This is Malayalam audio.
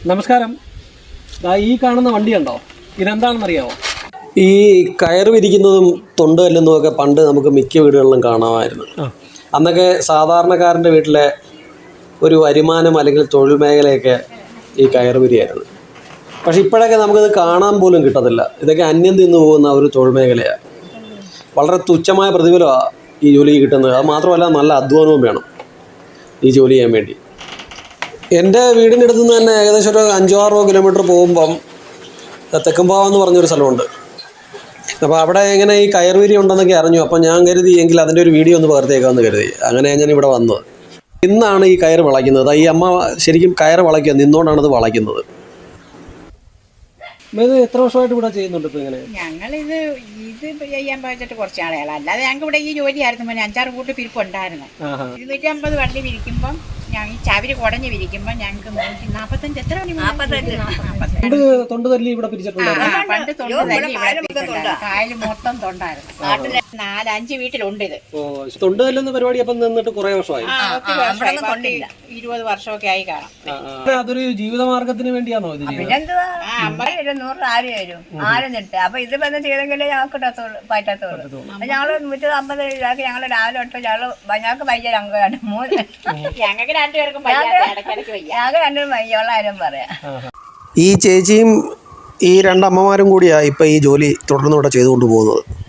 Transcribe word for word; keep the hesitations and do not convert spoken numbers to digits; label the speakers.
Speaker 1: നമസ്കാരം. ഈ കാണുന്ന വണ്ടി ഉണ്ടോ? ഇതെന്താണെന്ന് അറിയാമോ?
Speaker 2: ഈ കയറ് വിരിക്കുന്നതും തൊണ്ട് കല്ലുന്നതും ഒക്കെ പണ്ട് നമുക്ക് മിക്ക വീടുകളിലും കാണാമായിരുന്നു. അന്നൊക്കെ സാധാരണക്കാരൻ്റെ വീട്ടിലെ ഒരു വരുമാനം അല്ലെങ്കിൽ തൊഴിൽ മേഖലയൊക്കെ ഈ കയറ് വിരിയായിരുന്നു. പക്ഷെ ഇപ്പോഴൊക്കെ നമുക്കത് കാണാൻ പോലും കിട്ടത്തില്ല. ഇതൊക്കെ അന്യം തിന്നു പോകുന്ന ഒരു തൊഴിൽ മേഖലയാണ്. വളരെ തുച്ഛമായ പ്രതിഫലമാണ് ഈ ജോലി കിട്ടുന്നത്. അത് മാത്രമല്ല നല്ല അധ്വാനവും വേണം ഈ ജോലി ചെയ്യാൻ വേണ്ടി. എൻ്റെ വീടിൻ്റെ അടുത്ത് നിന്ന് തന്നെ ഏകദേശം ഒരു അഞ്ചോ ആറോ കിലോമീറ്റർ പോകുമ്പം തെക്കുംപാവം എന്ന് പറഞ്ഞൊരു സ്ഥലമുണ്ട്. അപ്പോൾ അവിടെ എങ്ങനെ ഈ കയർവിരി ഉണ്ടെന്നൊക്കെ അറിഞ്ഞു. അപ്പം ഞാൻ കരുതി എങ്കിൽ അതിൻ്റെ ഒരു വീഡിയോ ഒന്ന് പകർത്തിയേക്കാമെന്ന് കരുതി. അങ്ങനെയാണ് ഞാൻ ഇവിടെ വന്നത്. ഇന്നാണ് ഈ കയർ വളയ്ക്കുന്നത്. ഈ അമ്മ ശരിക്കും കയർ വളയ്ക്കുക, നിന്നുകൊണ്ടാണത് വളയ്ക്കുന്നത്.
Speaker 1: എത്ര വർഷമായിട്ട് ഇവിടെ ചെയ്യുന്നുണ്ട്? ഇപ്പോൾ ഇങ്ങനെ
Speaker 3: ഞങ്ങളിത് ഇത് ചെയ്യാൻ പോയിട്ട് കുറച്ച് ആളുകളാണ്. അല്ലാതെ ഞങ്ങൾക്ക് ഇവിടെ ഈ ജോലിയായിരുന്നു. പിന്നെ അഞ്ചാറ് കൂട്ട് പിരിപ്പുണ്ടായിരുന്നു. ഇരുന്നൂറ്റി അമ്പത് വണ്ടി വിരിക്കുമ്പം ഞാൻ ഈ ചവര് കുടഞ്ഞ് വിരിക്കുമ്പോൾ ഞങ്ങൾക്ക് നൂറ്റി നാൽപ്പത്തഞ്ച് എത്ര
Speaker 1: പണ്ട് തൊണ്ട് തല്ലി ഇവിടെ പിരിച്ചിട്ടുണ്ടായിരുന്നു.
Speaker 3: പണ്ട് തൊണ്ട് തല്ലി ഇവിടെ പിരിച്ചിട്ടുണ്ടായിരുന്നു. കായൽ മൊത്തം തൊണ്ടായിരുന്നു. നാട്ടിലെ നാലഞ്ച് വീട്ടിലുണ്ട് ഇത്.
Speaker 1: തൊണ്ട് തല്ലുന്ന പരിപാടി അപ്പം നിന്നിട്ട് കുറെ വർഷമായി.
Speaker 3: ഇരുപത് വർഷമൊക്കെ ആയി കാണാം.
Speaker 1: അതൊരു ജീവിതമാർഗത്തിന് വേണ്ടിയാണോ ഇത്?
Speaker 4: നൂറ് ആര് വരും ആരും നിട്ട് അപ്പൊ ഇത് ബന്ധം ചെയ്തെങ്കിലേ ഞങ്ങൾക്ക് ഇടത്തുള്ളൂ പറ്റത്തുള്ളൂ. ഞങ്ങള് നൂറ്റി അമ്പത് രൂപയ്ക്ക് ഞങ്ങള് രാവിലെ തൊട്ട് ഞങ്ങള് ഞങ്ങൾക്ക് വയ്യ ഞങ്ങൾക്ക് രണ്ട് മൂന്ന്
Speaker 3: ഞങ്ങൾക്ക് രണ്ടുപേർക്കും
Speaker 4: ഞങ്ങൾക്ക് രണ്ടും വയ്യുള്ള കാര്യം പറയാം.
Speaker 2: ഈ ചേച്ചിയും ഈ രണ്ടമ്മമാരും കൂടിയാണ് ഇപ്പം ഈ ജോലി തുടർന്ന് ഇവിടെ ചെയ്തുകൊണ്ട് പോകുന്നത്.